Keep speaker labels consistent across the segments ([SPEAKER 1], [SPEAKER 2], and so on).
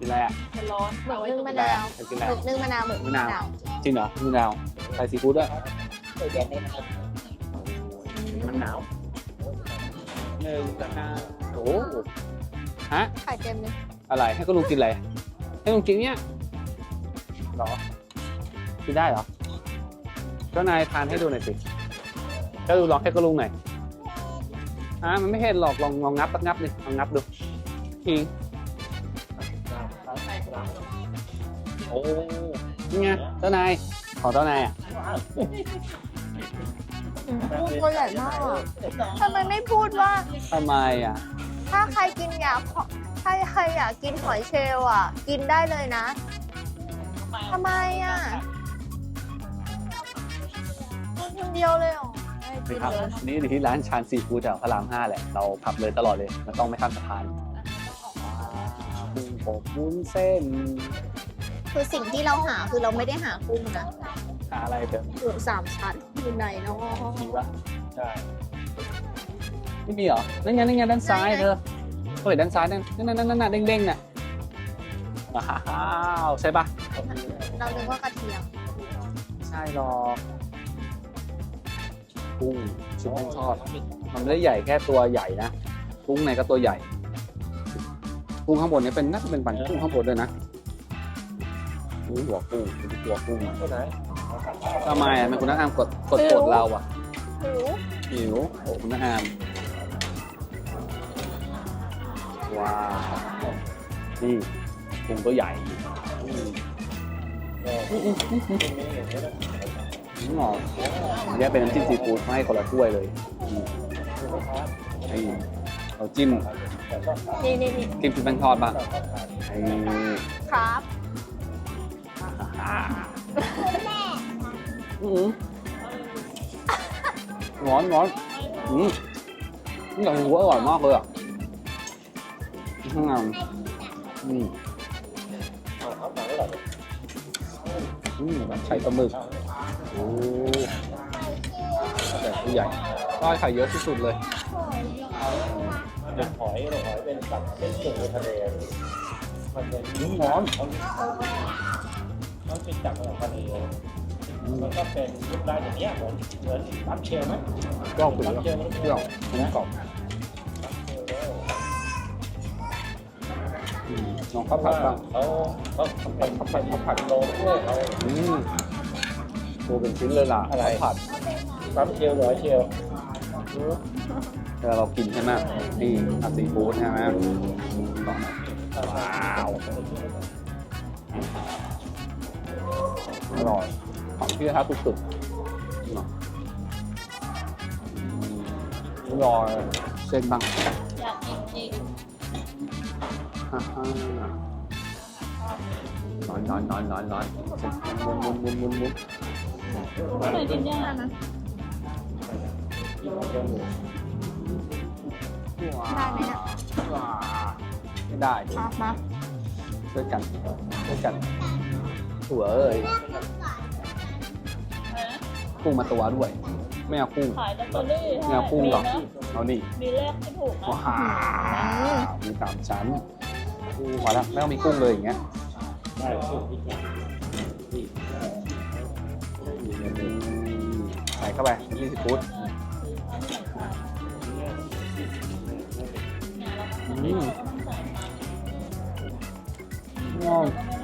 [SPEAKER 1] อะไรอ่ะ
[SPEAKER 2] มันร้อน
[SPEAKER 3] หมึกนึ่งมะนาว
[SPEAKER 1] จะกินอะไร
[SPEAKER 3] หมึกนึ่งมะนาวหมึกนึ่งมะนาว
[SPEAKER 1] จริงเหรอมะนาวใส่ซีฟู้ดด้วย
[SPEAKER 2] เดี๋ยวนี้มันหนาว
[SPEAKER 1] หนึ่งมะนาวโอ้ฮะ
[SPEAKER 3] ไข่เต็มเลย
[SPEAKER 1] อะไรให้ก็ลุงกินอะไรให้ลุงกินเนี้ยหรอกินได้เหรอเจ้านายทานให้ดูหน่อยสิก็ดูลองให้ก็ลุงหน่อยมันไม่เห็นหรอกลองงับสักงับดิลองงับดูทีโอ้นี่ไงเจ้านายของเจ้านายอ่ะ
[SPEAKER 3] กุ้งตัวใหญ่มากอะทำไมไม่พูดว่า
[SPEAKER 1] ทำไมอ่ะ
[SPEAKER 3] ถ้าใครกินอยากถ้าใครอยากกินหอยเชลล์อ่ะ กินได้เลยนะทำไมอ่ะกินคนเดียวเลยเหรอไม่กิน
[SPEAKER 1] ครับ
[SPEAKER 3] เลย
[SPEAKER 1] นี่อยู่ที่ร้านชานซีฟู้ดแถวพระราม5แหละเราขับเลยตลอดเลยมันต้องไม่ข้ามสะพานกุ้งอบวุ้นเส้น
[SPEAKER 3] คือสิ่งที่เราหาคือเราไม่ได้หากุ้งนะ
[SPEAKER 1] หาอะไรเถอะ
[SPEAKER 3] หมูสามชั้นอยู่ไหนเนาะ
[SPEAKER 1] มีปะ
[SPEAKER 2] ใช่
[SPEAKER 1] ไม่มีเหรอนั่นไงด้านซ้ายเธอเฮ้ยด้านซ้ายนั่นเด้งๆน่ะว้าวใช่ปะ
[SPEAKER 3] เรานึกว่ากระเทียม
[SPEAKER 1] ใช่หรอกกุ้งชุบแป้งทอดมันไม่ได้ใหญ่แค่ตัวใหญ่นะกุ้งในก็ตัวใหญ่กุ้งข้างบนเนี่ยเป็นน่าจะเป็นปันกุ้งข้างบนด้วยนะนี่หัวกุ้งเป็นตัวกุ้ง
[SPEAKER 2] ตัวไหน
[SPEAKER 1] ทำไมอ่ะมันคุณน้าอามกดเราอ่ะ
[SPEAKER 3] หู
[SPEAKER 1] หิวโอ้คุณน้าอามว้าวนี่กุ้งตัวใหญ่นี่หรอแยกเป็นน้ำจิ้มซีฟู้ดมาให้คนละถ้วยเลยไอ้เราจิ้ม
[SPEAKER 3] นี่
[SPEAKER 1] จิ้มชุบแป้งทอดบ้างไอ้
[SPEAKER 3] ครับ
[SPEAKER 1] ร้อนอย่างหัวอร่อยมากเลยอ่ะข้างในแบบไข่ปลาหมึกโอ้แต่ตัวใหญ่ก็ไข่เยอะที่สุดเลย
[SPEAKER 2] เด็กหอยเป็นสัตว์เป็นสิ่งในทะเลมันเป็น
[SPEAKER 1] ร้อน
[SPEAKER 2] มันเป็นจับของทะเลมันก็เป็นรูปร่างอย่างเงี้ยเหมือนปั๊มเชลไหม
[SPEAKER 1] ก็เปรี้ยวเปรี้ยวกรอบลองข้าวผัดบ้าง
[SPEAKER 2] เขาผัดโลด้วยเขา
[SPEAKER 1] ตัวเป็นชิ้นเลยล่ะข้าวผัด
[SPEAKER 2] ปั๊มเชลหอยเชล
[SPEAKER 1] เวลาเรากินใช่ไหมนี่อาซีฟู้ดใช่ไหมว้าวอร่อยของที่ท้าสุดๆรอเส้นบ้าง
[SPEAKER 3] อยากกินจริง
[SPEAKER 1] ร้อนมุน
[SPEAKER 3] เคยกินย่างนะ ได้ไหมเนี่ย
[SPEAKER 1] ไม่ได้ดิ
[SPEAKER 3] มา
[SPEAKER 1] ช่วยกันถั่วเอ้ยกุ้งมาตัวด้วยไม่เอากุ้ง
[SPEAKER 4] ขายลอตเตอรี่
[SPEAKER 1] ไม่เอากุ้งหรอกเอานี่
[SPEAKER 4] มีเลขที่ถูกนะ
[SPEAKER 1] ว้าวมีสามชั้นพอแล้วไม่ต้องมีกุ้งเลยอย่างเงี้ย
[SPEAKER 2] ได้ถูกอีก
[SPEAKER 1] ใส่เข้าไปน้ำจิ้มซีฟู้ดว้าว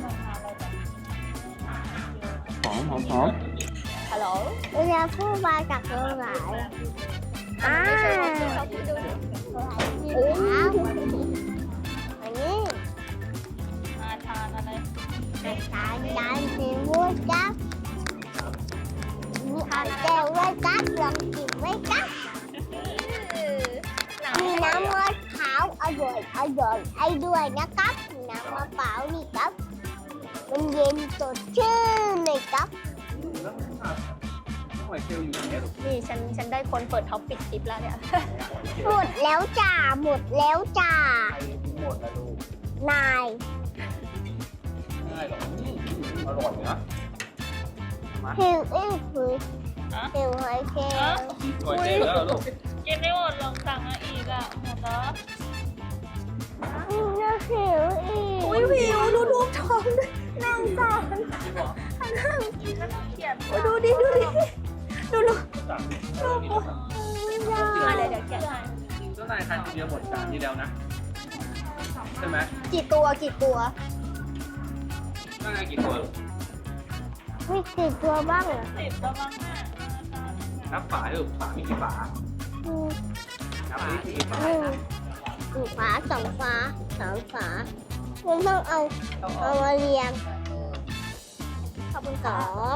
[SPEAKER 1] หอม
[SPEAKER 3] ฮัลโหล
[SPEAKER 5] เราจะพูดมาจากตรงไหนอ่า
[SPEAKER 3] ไม่ใช่ว่าที่เขาพูดดูดิ
[SPEAKER 5] โอ้อันนี้
[SPEAKER 4] มาทานอะไร
[SPEAKER 5] การสีมูดครับมีอาเจลไว้ครับลองกินไว้ครับมีน้ำมะพร้าวอร่อยไอ้ด้วยนะครับน้ำมะพร้าวนี่ครับมันเย็นสดชื่นเลยครับ
[SPEAKER 3] นี่ฉันได้คนเปิดท็อปปิดคลิปแล้วเนี่ย
[SPEAKER 5] หมดแล้วจ้าหมดแล้วจ้า
[SPEAKER 1] หมดแล้วลูก
[SPEAKER 5] นาย
[SPEAKER 1] ง่ายหรออร่อยนะ
[SPEAKER 5] หิวอื้อหือหิวหอยเชลล์
[SPEAKER 1] อร่อยจริงแล้วลูก
[SPEAKER 4] กินไม่หมดลองสั่งมาอีกอ่ะหมดแล้ว
[SPEAKER 5] น่าหิวอีก
[SPEAKER 3] อุ้ยวิวดูองด้วยน่าสงสาร
[SPEAKER 4] เขียน
[SPEAKER 3] โอ้ยดูดิดูดิดูดู
[SPEAKER 2] สั่ง
[SPEAKER 4] อะไรเดี๋ยวเขียนให้
[SPEAKER 1] เจ้านายทานทีเดียวหมดจานนี้แล้วนะใช่ไหม
[SPEAKER 3] กี่ตัวกี่ตัว
[SPEAKER 1] เจ้านายกี่ตัว
[SPEAKER 5] มีกี่ตัวบ้างเหรอ
[SPEAKER 4] 10ประมาณน่ะ
[SPEAKER 1] นับฝาลูกฝามีกี่ฝา
[SPEAKER 5] อืม
[SPEAKER 1] นับนี่กี่ฝา
[SPEAKER 5] หนึ่งฝาสองฝาสามฝาคุณต้องเอามาเรียง
[SPEAKER 3] ขอบคุณ
[SPEAKER 5] ส
[SPEAKER 3] ค่ะ
[SPEAKER 5] อง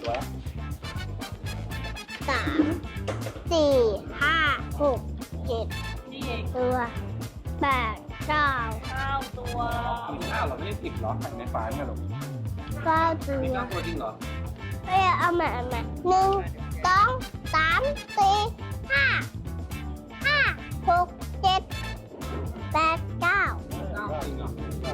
[SPEAKER 5] สามสี่ห้าหกเจ็ด
[SPEAKER 4] นี่อีก
[SPEAKER 5] ตัวแปดเก้า
[SPEAKER 4] 9ตัว
[SPEAKER 1] มีข้าวเหรอไม่ได้10หรอใส่ในฝาไม่หรอ
[SPEAKER 5] เก้าตั
[SPEAKER 1] มี
[SPEAKER 5] ว
[SPEAKER 1] 9ตัวจริงเหรอ
[SPEAKER 5] เอ้ยเอามาหนึ่งสองสามสี่ห้าหกเจ็ดแปดเก้า
[SPEAKER 1] 9จริงเหรอ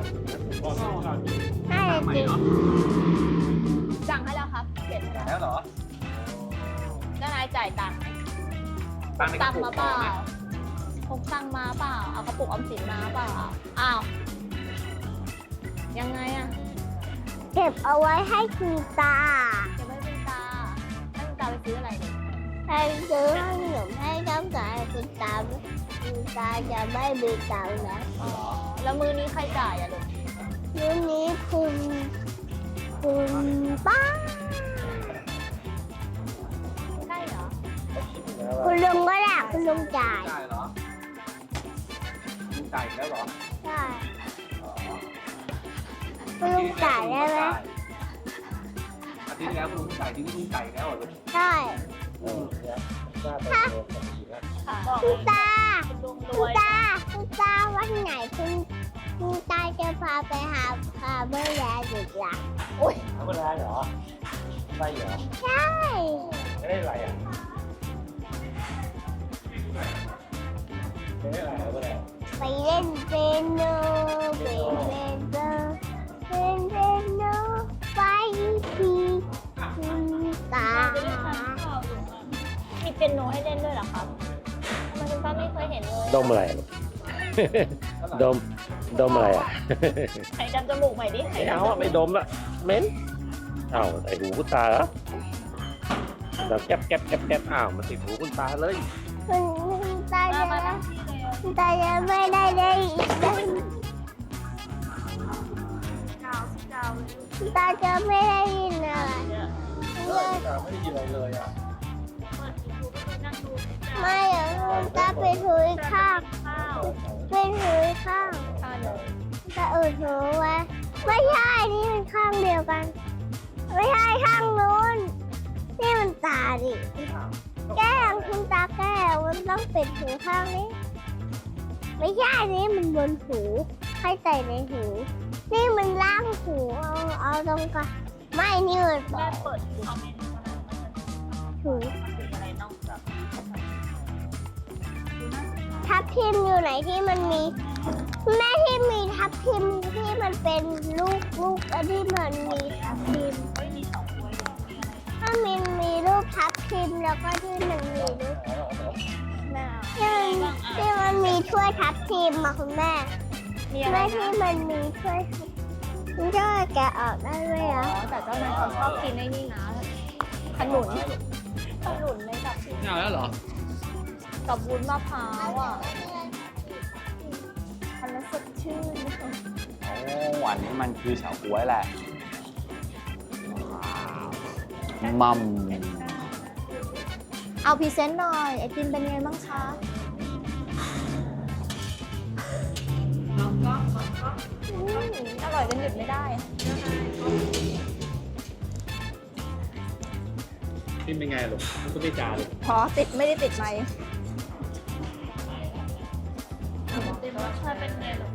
[SPEAKER 5] ห้า
[SPEAKER 1] ใหม่
[SPEAKER 5] จริง
[SPEAKER 1] เนาะ
[SPEAKER 3] สั่งให้แล้วครับเก็บ
[SPEAKER 1] แล้วเหรอ
[SPEAKER 3] เจ้านายจ่ายตังค์
[SPEAKER 1] ตังค์ในก
[SPEAKER 3] ตั
[SPEAKER 1] ระ
[SPEAKER 3] งค์
[SPEAKER 1] ปุก
[SPEAKER 3] มาเปล่าพกตังค์มาเปล่าเอากระปุกออมสินมาเปล่าอ้าวยังไงอะ
[SPEAKER 5] เก็บเอาไว้ให้คุณตา
[SPEAKER 3] เก็บไว้เป็นตาให้คุณตาไปซื้ออะไรเนี่ย
[SPEAKER 5] ให้ซื้อขนมให้น้ำตาให้คุณตาคุณตาจะไม่มีตังค์นะ
[SPEAKER 3] แล้วมื้อนี้ใครจ่ายอะลูก
[SPEAKER 5] มื้อนี้คุณป้า
[SPEAKER 3] ใช่เหรอ
[SPEAKER 5] คุณลุงก็ได้คุณลุงจ่าย
[SPEAKER 1] จ่ายเหรอมึงจ่ายอีกแล้วเหรอ
[SPEAKER 5] ใช่คุณลุงจ่ายได้ไหม
[SPEAKER 1] อาทิตย์แล้วคุณจ่ายที่นี่คุณจ่ายแล้วเหรอลูก
[SPEAKER 5] ใช่
[SPEAKER 2] น่าจะเร็วกว่านี้นะ
[SPEAKER 3] ค่ะ
[SPEAKER 4] บอก
[SPEAKER 5] คุ
[SPEAKER 4] เล
[SPEAKER 5] ณ
[SPEAKER 4] ย
[SPEAKER 5] ตา
[SPEAKER 4] ลุงร
[SPEAKER 5] คุณ
[SPEAKER 4] วย
[SPEAKER 5] ตาวันไหนคุณตาจะพาไปหาเมื่อยาอีกล่ะ
[SPEAKER 2] ธรรมดาเหรอไรเหรอ
[SPEAKER 5] ใช่
[SPEAKER 2] ไม่ได้ไรอ่ะไม่ได้ไรก็ได้
[SPEAKER 5] ไปเล่นเปียโนไปทีคุณตา
[SPEAKER 4] จะได้ทานข้าวลุงอ่ะมีเปียโนให้เล่นด้วยเหรอครับทำไมคุณป้าไม่เคยเห็นเลย
[SPEAKER 2] ดมอะไรลูก ดมอะไรอ่ะ
[SPEAKER 4] ไข่ดำจมูกใหม่ดิไข่
[SPEAKER 2] ไม่
[SPEAKER 4] ดำ
[SPEAKER 2] เอาอ่ะไม่ดมละเหม็นอ้าวใส่หูคุณตาเหรอแบบแก๊บอ้าวมันติดหูคุณตาเลย
[SPEAKER 5] คุณตา
[SPEAKER 4] มา
[SPEAKER 5] จะ
[SPEAKER 4] มานั่งที่เร็ว
[SPEAKER 5] คุณตาจะไม่ได้อีกนะคุณตาจะไม่ได้ยินอะไร
[SPEAKER 2] ไม่ได้ยินอะไรเลยอ่ะ
[SPEAKER 4] นั่งดู
[SPEAKER 5] ไม่อะคุณตาไปถุยข้าง
[SPEAKER 4] ข้าว
[SPEAKER 5] ไปถุยข้าง
[SPEAKER 4] ข้าวเลย
[SPEAKER 5] ตาอุดหูไว้ไม่ใช่นี่มันข้างเดียวกัน ไม่ใช่ข้างนู้นนี่มันตาดิแก้มคุณตาแก้วมันต้องปิดหูข้างนี้ ไม่ใช่นี่มันบนหูให้ใส่ในหู นี่มันล่างหูเอาตรงกันไม่นี่มัน
[SPEAKER 4] แม่เปิดคอมเมนต์อะไร
[SPEAKER 5] หู
[SPEAKER 4] มันเป็นอะไรนอกจาก
[SPEAKER 5] ทับทิมอยู่ไหนที่มันมีแม่ที่มีทับทิมที่มันเป็นลูกอันที่มันมีทับทิม
[SPEAKER 4] เฮ้ยมีสองตัวอยู่มีอะไร
[SPEAKER 5] ถ้ามีรูปทับทิมแล้วก็ที่มันมีรูป
[SPEAKER 4] แม่
[SPEAKER 5] ที่มันมีถ้วยทับทิมมาคุณแม่
[SPEAKER 4] มีอะไร
[SPEAKER 5] แม่
[SPEAKER 4] นะ
[SPEAKER 5] ที่มันมีถ้วยทับมันจะแกะออกได้ไหม
[SPEAKER 3] อ๋
[SPEAKER 5] อ่ะ
[SPEAKER 3] อแต่เจ้านายเขาชอบกินไอ้นี่นะขนุนในแบบ
[SPEAKER 1] ไม่เอาแล้วเหรอ
[SPEAKER 3] กับวุ้นมะพร้าวอ่ะทานแล้วสดชื่น
[SPEAKER 1] โอ้หวานนี้มันคือเฉาก๊วยแหละมัม
[SPEAKER 3] เอาพรีเซนต์หน่อยไอติมเป็นยังไงบ้างคะอร่อยจนหยุดไม่ได้
[SPEAKER 1] กินเป็นไงลูกมันก็ไม่จาเลย
[SPEAKER 3] พอติดไม่ได้ติดไหม
[SPEAKER 4] ติดรสชาติเป็นไงหรอ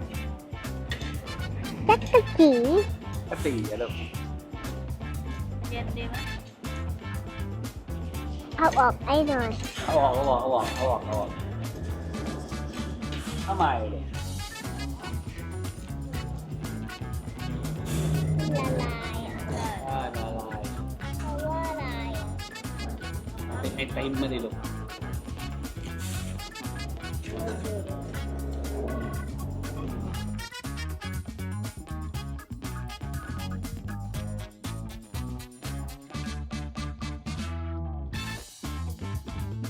[SPEAKER 5] จักรจี
[SPEAKER 1] กะตีอะลูก
[SPEAKER 4] เย็นดีไหม
[SPEAKER 5] เอาออกไอ้หน่อย
[SPEAKER 1] เอาออกทำไมเลย
[SPEAKER 5] ละลายอ่ะ
[SPEAKER 1] ละลาย
[SPEAKER 5] เพราะว่าอะไรอ่ะ
[SPEAKER 1] เป็นไอติมมาดิลูก